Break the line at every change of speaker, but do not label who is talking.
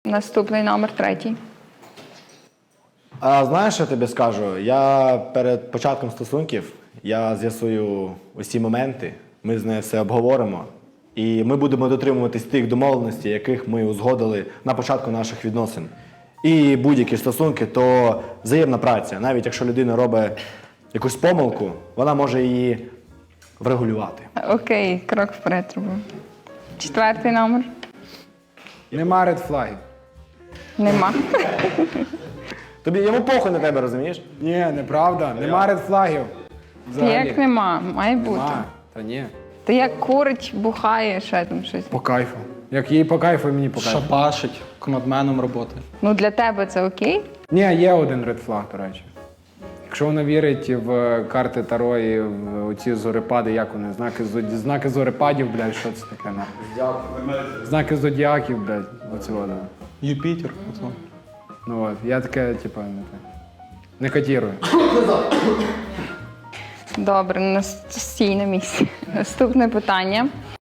Наступний номер 3.
А знаєш, що я тобі скажу? Я перед початком стосунків я з'ясую усі моменти, ми з нею все обговоримо. І ми будемо дотримуватись тих домовленостей, яких ми узгодили на початку наших відносин. І будь-які стосунки, то взаємна праця. Навіть якщо людина робить якусь помилку, вона може її врегулювати.
Окей, крок вперед робимо. 4 номер.
Нема редфлагів.
Нема.
Тобі йому похуй на тебе, розумієш?
Ні, неправда. Нема редфлагів.
Як нема? Має бути.
Нема. Та ні.
Ти як курить, бухає, ще там щось.
По кайфу. Як їй по кайфу, і мені по кайфу.
Шапашить, командменом роботи.
Ну для тебе це окей?
Ні, є один редфлаг, до речі. Якщо вона вірить в карти Таро і в оці зорепади, як вони, знаки зорепадів, блядь, що це таке? Знаки зодіаків, блядь, оце воно.
Юпітер. Ото.
Ну от, я таке, типу, не котірую.
Добре, стій на місці. Наступне питання.